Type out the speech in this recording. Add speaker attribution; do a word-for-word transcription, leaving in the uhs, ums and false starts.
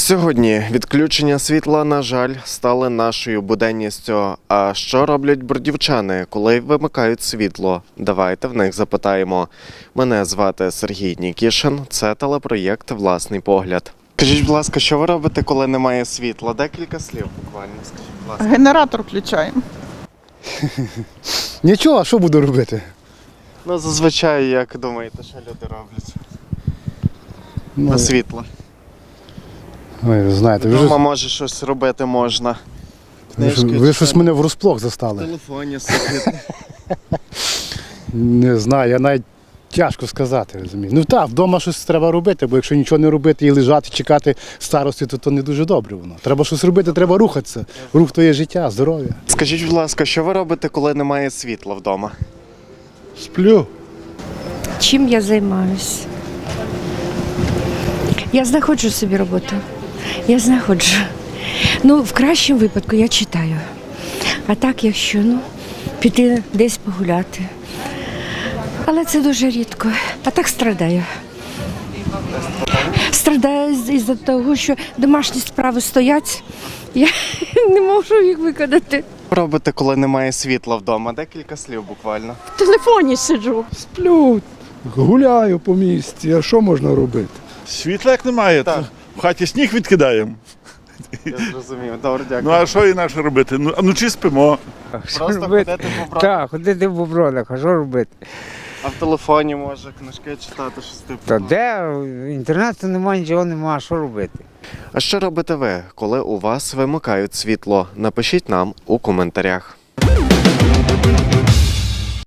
Speaker 1: Сьогодні відключення світла, на жаль, стали нашою буденністю. А що роблять бродівчани, коли вимикають світло? Давайте в них запитаємо. Мене звати Сергій Нікішин, це телепроєкт «Власний погляд». Скажіть, будь ласка, що ви робите, коли немає світла? Декілька слів буквально, скажіть, будь ласка.
Speaker 2: Генератор включаємо.
Speaker 3: Нічого, а що буду робити?
Speaker 1: Ну, зазвичай, як думаєте, що люди роблять
Speaker 3: Ну,
Speaker 1: на світло?
Speaker 3: Ой, ви знаєте, ви,
Speaker 1: Вдома,
Speaker 3: ж,
Speaker 1: може, щось робити можна.
Speaker 3: ви, ж- ви щось мене врозплох застали.
Speaker 1: В телефоні сидіти.
Speaker 3: Не знаю, я навіть тяжко сказати, розумію. Ну так, вдома щось треба робити, бо якщо нічого не робити і лежати, чекати старості, то, то не дуже добре воно. Треба щось робити, треба рухатися. Рух то є життя, здоров'я.
Speaker 1: Скажіть, будь ласка, що ви робите, коли немає світла вдома?
Speaker 3: Сплю.
Speaker 4: Чим я займаюся? Я знаходжу собі роботу. Я знаходжу. Ну, в кращому випадку я читаю. А так, якщо ну, піти десь погуляти. Але це дуже рідко. А так страдаю. Страдаю з- із-за того, що домашні справи стоять. Я не можу їх виконати.
Speaker 1: Що робите, коли немає світла вдома? Декілька слів буквально.
Speaker 4: В телефоні сиджу.
Speaker 5: Сплю, гуляю по місті, а що можна робити?
Speaker 6: Світла як немає,
Speaker 1: Так.
Speaker 6: то в хаті сніг відкидаємо.
Speaker 1: Я зрозумів. Добре,
Speaker 6: Ну
Speaker 1: дякую.
Speaker 6: а що інакше робити? Ну, а вночі спимо.
Speaker 1: Просто
Speaker 7: робити?
Speaker 1: ходити по брату.
Speaker 7: Так, ходити в бобронах, а що робити?
Speaker 1: А в телефоні може книжки читати, щось типу.
Speaker 7: Та де інтернету немає, нічого немає, що робити?
Speaker 1: А що робите ви, коли у вас вимикають світло? Напишіть нам у коментарях.